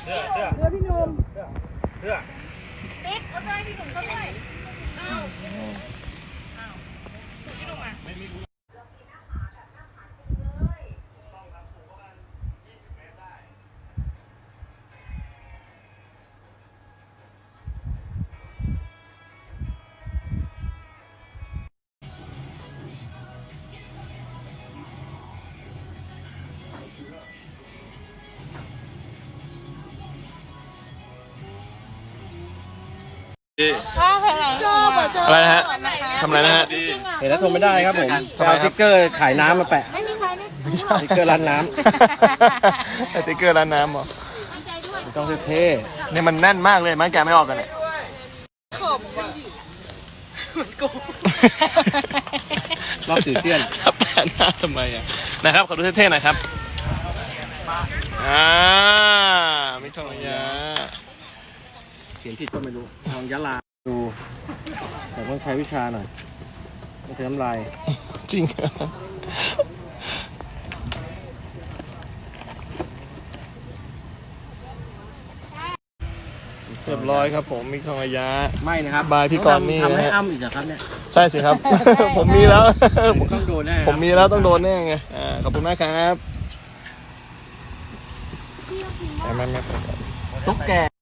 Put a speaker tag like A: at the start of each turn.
A: พี่หนุ่ม
B: เด็กเอาใจพี่หนุ่มก็ด้วยอ้าวพี่หนุ่มอ่ะ
C: อะไรนะฮะทำอะไรนะฮะ
A: เห็นแล้วทนไม่ได้ครับผม
C: ทำไม
A: เอา
C: ค
A: ส
C: รับ
A: ติ๊กเกอร์ขายน้ำมาแปะ
B: ไม่มีใครไม่
C: ไม่ใช่
A: สติ๊กเกอร์ร้านน้
C: สติ๊กเกอร์ร้านน้ำเหรอ
B: ตั้งใจด้วย
A: ำต้องเท่
C: เนี่ยมันแน่นมากเลยมันแกะไม่ออกกันเลย
B: ขบอ่ะเหมือนกู
A: รอบสื่อเชี่ยน
C: ครับแปะหน้าทำไมอ่ะนะครับขอดูเท่ๆหน่อยครับไม่ต้องยา
A: เขียนผิดก็ไม่รู้ทองยะลาดูแต่ต้องใช้วิชาหน่อยไม่ใช้น้ำลาย
C: จริงเหรอเรียบร้อยครับผมมิกทองระยะ
A: ไม่นะครับ
C: บายพี่กรณ์นี่
A: ทำให้
C: นะฮะ
A: อ้ำอีกเหรอครับเนี่ย
C: ใช่สิครับ ผมมีแล้ว
A: ต้องโดนแน่
C: ผมมีแล้วต้องโดนแน่ไงขอบคุณมากครับไม่
A: ตุ๊กแก